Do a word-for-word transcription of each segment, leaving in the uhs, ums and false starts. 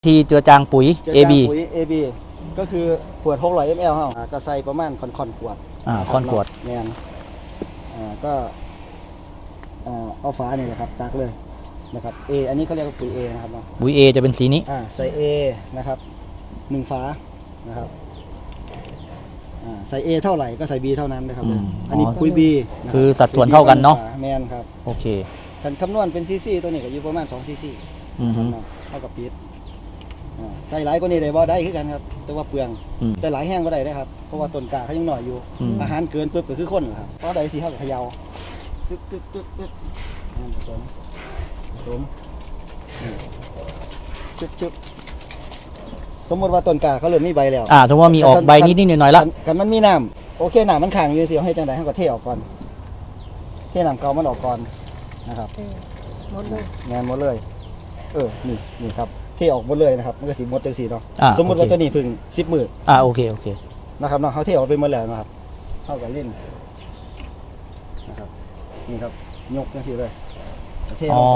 ที่เจือจางปุ๋ยเจือเอจางบีปุ๋ย เอ บี ก็คือขวดหกร้อยมิลลิลิตรเฮาอ่าก็ใส่ประมาณค่อนๆขวดอ่าค่อนขวดแม่นอ่าก็อ่าเอาฝานี่แหละครับตักเลยนะครับ A อันนี้เขาเรียกว่าปุ๋ย A นะครับเนาะปุ๋ย A จะเป็นสีนี้อ่าใส่ A นะครับหนึ่งฝานะครับอ่าใส่ A เท่าไหร่ก็ใส่ B เท่านั้นนะครับอืมอันนี้อ๋อปุ๋ย B นะครับคือสัดส่วนเท่ากันเนาะแมนครับโอเคคันคำนวณเป็นซีซีตัวนี้ก็อยู่ประมาณสองซีซีอือฮึเท่ากับปิดอ่าใส่หลายกว่านี้ได้บ่ได้คือกันครับแต่ว่าเปลืองอืมแต่หลายแห้งบ่ได้นะครับเพราะว่าต้นกล้าเขายังหน่อยอยู่อืมอาหารเกินปุ๊บก็คือคนล่ะครับเพราะใดสิเฮาก็เขย่าตึ๊บตึ๊บตึ๊บตึ๊บอ่าผสมผสมนี่ชุบชุบสมมติว่าต้นกล้าเขาเริ่มมีใบแล้วอ่าสมมติว่ามีออกใบนิดนิดหน่อยหน่อยๆละคัคันมันมีน้ำโอเคน้ำมันขังอยู่สิเอาให้จังได๋เฮาก็เทออกก่อนเทน้ำเก่ามันออกก่อนนะครับเออหมดเลยงานหมดเลย เออ นี่ นี่ครับเทออกหมดเลยนะครับ มันก็สีหมดจังสีเนาะอ่าสมมติว่าตัวนี้เพึ่งสิบหมื่นอ่าโอเคโอเคนะครับเนาะเขาเทออกไปหมดแล้วนะครับเท่ากับเล่นนะครับ นี่ครับ ยกจังสีเลยเทลอ๋องไป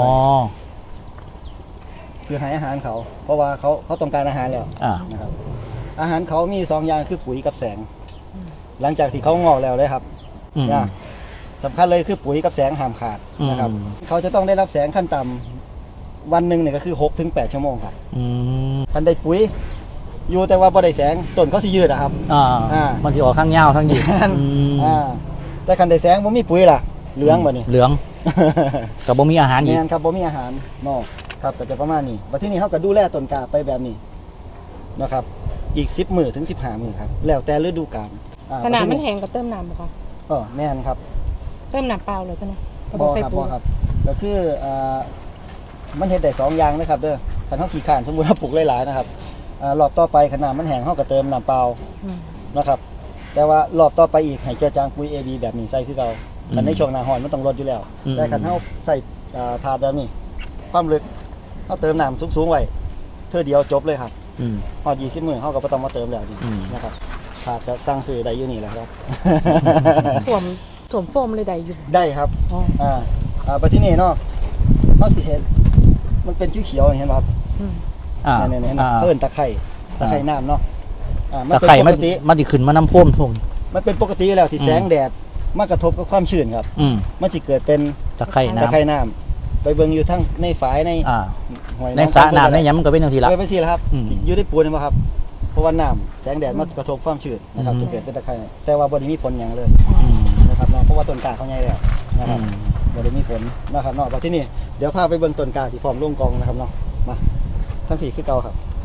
เพื่อให้อาหารเขา เพราะว่าเขาเขาต้องการอาหารแล้วอ่านะครับ อาหารเขามีสองอย่างคือปุ๋ยกับแสง หลังจากที่เขางอกแล้วเลยครับอืมนะสำคัญเลยคือปุ๋ยกับแสงห้ามขาดนะครับอืมเขาจะต้องได้รับแสงขั้นต่ำวันหนึ่งเนี่ยก็คือหกถึงแปดชั่วโมงครับอืมคันได้ปุ๋ยอยู่แต่ว่าบ่ได้แสงต้นเขาสิยืดอะครับอ่าอ่ามันจะออกข้างยาวข้างยืดอืมอ่าแต่คันได้แสงบ่มีปุ๋ยล่ะเหลืองบ่นี่เหลืองกับบ่มีอาหารอีกแม่นครับบ่มีอาหารนอกครับก็จะประมาณนี้บัดทีนี้เฮาก็ดูแลต้นกล้าไปแบบนี้นะครับอีกสิบมื้อถึงสิบห้ามื้อครับแล้วแต่ฤดูกาลอ่ขนาดบัมันทีแห้งก็เติมน้ำบ่คะเออแม่นครับเติมน้ำเปล่าเลยเท่านั้นก็บ่ใส่ครับปุ๋บ่ยครับก็คืออ่ามันเฮ็ดได้สองอย่างนะครับเด้อคันเฮาขี้ข้านสมมุติว่าปลูกหลายๆนะครับอ่ารอบต่อไปขนาดมันแห้งเฮาก็เติมน้ำเปล่าอืมนะครับแต่ว่ารอบต่อไปอีกให้เจือจางปุ๋ย เอ บี แบบนี้ใส่คือเราคันในช่วงหน้าร้อนมันต้องลดอยู่แล้วอืมแต่คันเฮาใส่อ่าถาดแบบนี้ความลึกเฮาเติมน้ำสูงๆไว้เท่อเดียวจบเลยครับอืมฮอดยี่สิบมื้อเฮาก็บ่ต้องมาเติมแล้วนี่อืมนะครับถาดก็สั่งซื้อได้อยู่นี่แหละครับถ่วมถ่วมโฟมเลยได้อยู่ได้ครับอ๋ออ่าอ่าบัดที่นี่เนาะเฮาสิเห็นมันเป็นเขียวๆนี่เห็นบ่ครับอืมอ่าเนี่ยๆเห็นไหมอ่าเขาเอิ้นตะไคร้ตะไคร้น้ำเนาะอ่ามันตะเป็นไคร่ปมันกติมันสิขึ้นมาน้ำท่วมท่วมมันเป็นปกติอยู่แล้วที่อืมแสงแดดมากระทบกับความชื้นครับอืมมันสิเกิดเป็นตะไคร่ตะน้ำไคร่น้ำไปเบิ่งอยู่ทั้งในฝายในอ่าหอยในสระน้ำในหยังมันก็เป็นจังซี่ละไปไปสิละครับอืมอยู่ในปูนนี่บ่ครับเพราะว่าน้ำแสงแดดมากระทบความชื้นนะครับอืมจะเกิดเป็นตะไคร่แต่ว่าบ่ได้มีผลหยังเลยอืมนะครับเนาะเพราะว่าต้นกล้าเขาใหญ่แล้วนะคอืรับมบ่ได้มีผลนะครับเนาะบัดที่นี่เดี๋ยวพาไปเบิ่งต้นกล้าที่พร้อมลงกองนะครับเนาะมาทั้งผีคือเก่าครับ